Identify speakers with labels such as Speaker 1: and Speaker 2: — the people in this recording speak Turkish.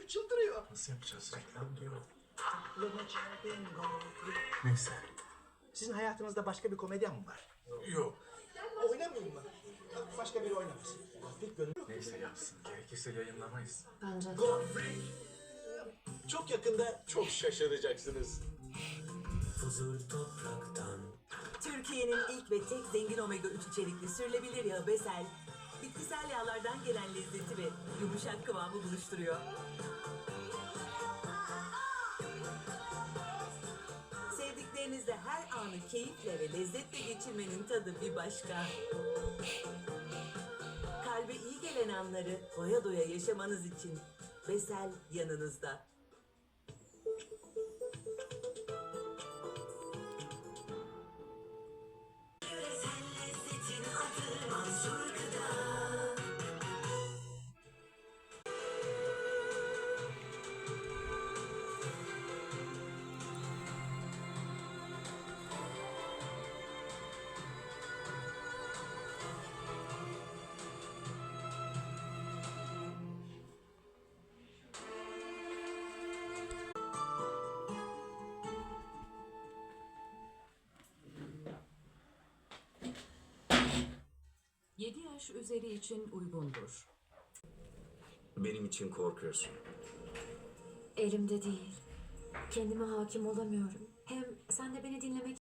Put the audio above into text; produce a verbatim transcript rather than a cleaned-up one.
Speaker 1: herif çıldırıyor.
Speaker 2: Nasıl yapacağız? Reklam diyor.
Speaker 1: Aklımı çeldin gofret.
Speaker 2: Neyse.
Speaker 1: Sizin hayatınızda başka bir komedyen mi var?
Speaker 2: Yok.
Speaker 1: Oynamayayım mı? Başka biri oynamasın. Gofret gönül.
Speaker 2: Neyse yapsın. Gerekirse yayınlamayız.
Speaker 3: Bence de.
Speaker 1: Gofret. Çok yakında çok şaşıracaksınız.
Speaker 4: Huzur topraktan.
Speaker 5: Türkiye'nin ilk ve tek zengin omega üç içerikli sürülebilir yağı Besel, bitkisel yağlardan gelen lezzeti ve yumuşak kıvamı buluşturuyor. Sevdiklerinizle her anı keyifle ve lezzetle geçirmenin tadı bir başka. Kalbe iyi gelen anları doya doya yaşamanız için Besel yanınızda.
Speaker 3: yedi yaş üzeri için uygundur.
Speaker 4: Benim için korkuyorsun.
Speaker 6: Elimde değil. Kendime hakim olamıyorum. Hem sen de beni dinlemek